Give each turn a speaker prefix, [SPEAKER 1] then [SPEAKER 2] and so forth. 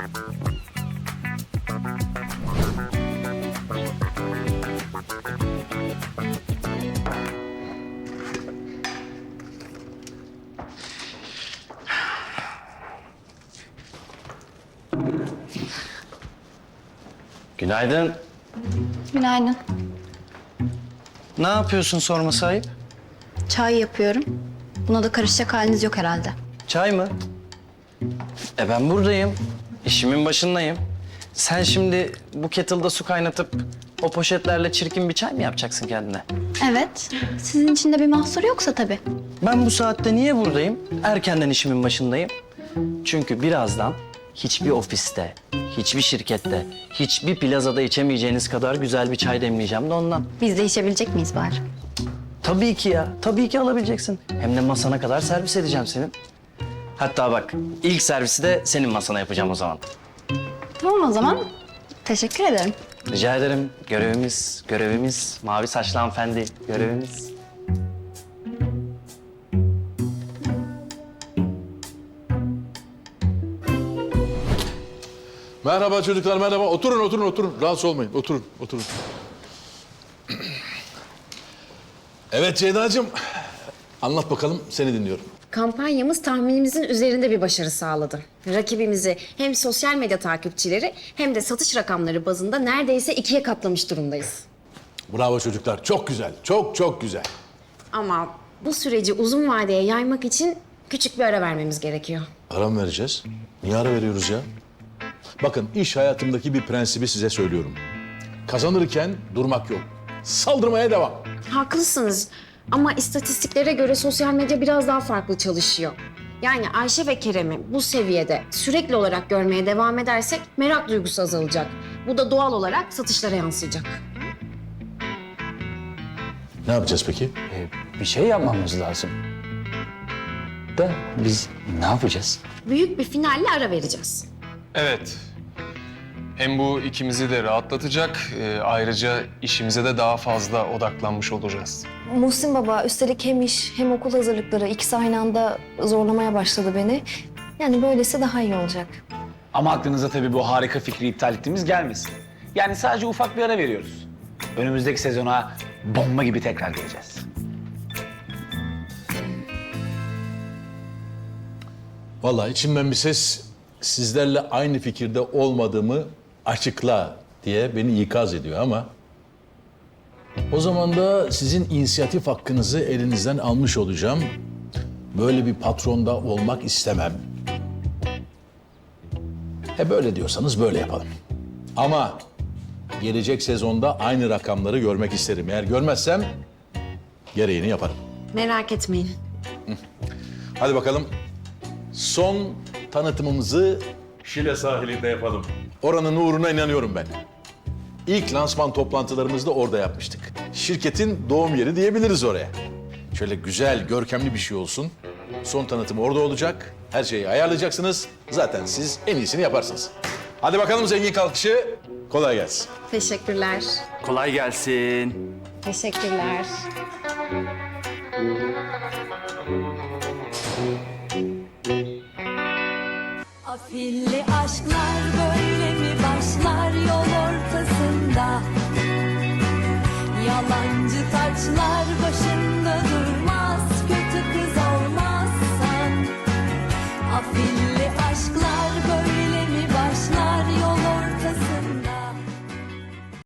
[SPEAKER 1] Günaydın.
[SPEAKER 2] Günaydın.
[SPEAKER 1] Ne yapıyorsun sorma sahip?
[SPEAKER 2] Çay yapıyorum. Buna da karışacak haliniz yok herhalde.
[SPEAKER 1] Çay mı? Ben buradayım. İşimin başındayım. Sen şimdi bu kettle'da su kaynatıp o poşetlerle çirkin bir çay mı yapacaksın kendine?
[SPEAKER 2] Evet. Sizin için de bir mahsur yoksa tabii.
[SPEAKER 1] Ben bu saatte niye buradayım? Erkenden işimin başındayım. Çünkü birazdan hiçbir ofiste, hiçbir şirkette, hiçbir plazada içemeyeceğiniz kadar güzel bir çay demleyeceğim de ondan.
[SPEAKER 2] Biz de içebilecek miyiz bari?
[SPEAKER 1] Tabii ki ya, tabii ki alabileceksin. Hem de masana kadar servis edeceğim senin. Hatta bak, ilk servisi de senin masana yapacağım o zaman.
[SPEAKER 2] Tamam o zaman. Teşekkür ederim.
[SPEAKER 1] Rica ederim. Görevimiz. Mavi saçlı hanımefendi, görevimiz.
[SPEAKER 3] Merhaba çocuklar, merhaba. Oturun. Rahatsız olmayın. Oturun. Evet Ceyda'cığım. Anlat bakalım, seni dinliyorum.
[SPEAKER 4] Kampanyamız tahminimizin üzerinde bir başarı sağladı. Rakibimizi hem sosyal medya takipçileri hem de satış rakamları bazında neredeyse 2'ye katlamış durumdayız.
[SPEAKER 3] Bravo çocuklar, çok güzel. Çok güzel.
[SPEAKER 4] Ama bu süreci uzun vadeye yaymak için küçük bir ara vermemiz gerekiyor.
[SPEAKER 3] Ara mı vereceğiz? Niye ara veriyoruz ya? Bakın, iş hayatımdaki bir prensibi size söylüyorum. Kazanırken durmak yok. Saldırmaya devam.
[SPEAKER 4] Haklısınız ama istatistiklere göre sosyal medya biraz daha farklı çalışıyor. Yani Ayşe ve Kerem'i bu seviyede sürekli olarak görmeye devam edersek merak duygusu azalacak. Bu da doğal olarak satışlara yansıyacak.
[SPEAKER 3] Ne yapacağız peki?
[SPEAKER 5] Bir şey yapmamız lazım. Da biz ne yapacağız?
[SPEAKER 4] Büyük bir finalle ara vereceğiz.
[SPEAKER 6] Evet. Hem bu ikimizi de rahatlatacak, ayrıca işimize de daha fazla odaklanmış olacağız.
[SPEAKER 7] Muhsin Baba üstelik hem iş hem okul hazırlıkları ikisi aynı anda zorlamaya başladı beni. Yani böylesi daha iyi olacak.
[SPEAKER 5] Ama aklınıza tabii bu harika fikri iptal ettiğimiz gelmesin. Yani sadece ufak bir ara veriyoruz. Önümüzdeki sezona bomba gibi tekrar geleceğiz.
[SPEAKER 3] Vallahi içimden bir ses sizlerle aynı fikirde olmadığımı açıkla diye beni ikaz ediyor ama o zaman da sizin inisiyatif hakkınızı elinizden almış olacağım. Böyle bir patronda olmak istemem. Böyle diyorsanız böyle yapalım. Ama gelecek sezonda aynı rakamları görmek isterim. Eğer görmezsem gereğini yaparım.
[SPEAKER 4] Merak etmeyin.
[SPEAKER 3] Hadi bakalım. Son tanıtımımızı Şile sahilinde yapalım. Oranın uğruna inanıyorum ben. İlk lansman toplantılarımızı da orada yapmıştık. Şirketin doğum yeri diyebiliriz oraya. Şöyle güzel, görkemli bir şey olsun. Son tanıtım orada olacak. Her şeyi ayarlayacaksınız. Zaten siz en iyisini yaparsınız. Hadi bakalım zengin kalkışı. Kolay gelsin.
[SPEAKER 4] Teşekkürler.
[SPEAKER 1] Kolay gelsin.
[SPEAKER 4] Teşekkürler.
[SPEAKER 8] Afilli aşklar böyle mi başlar yol ortasında? Yalancı taçlar başında durmaz, kötü kız olmazsan. Afilli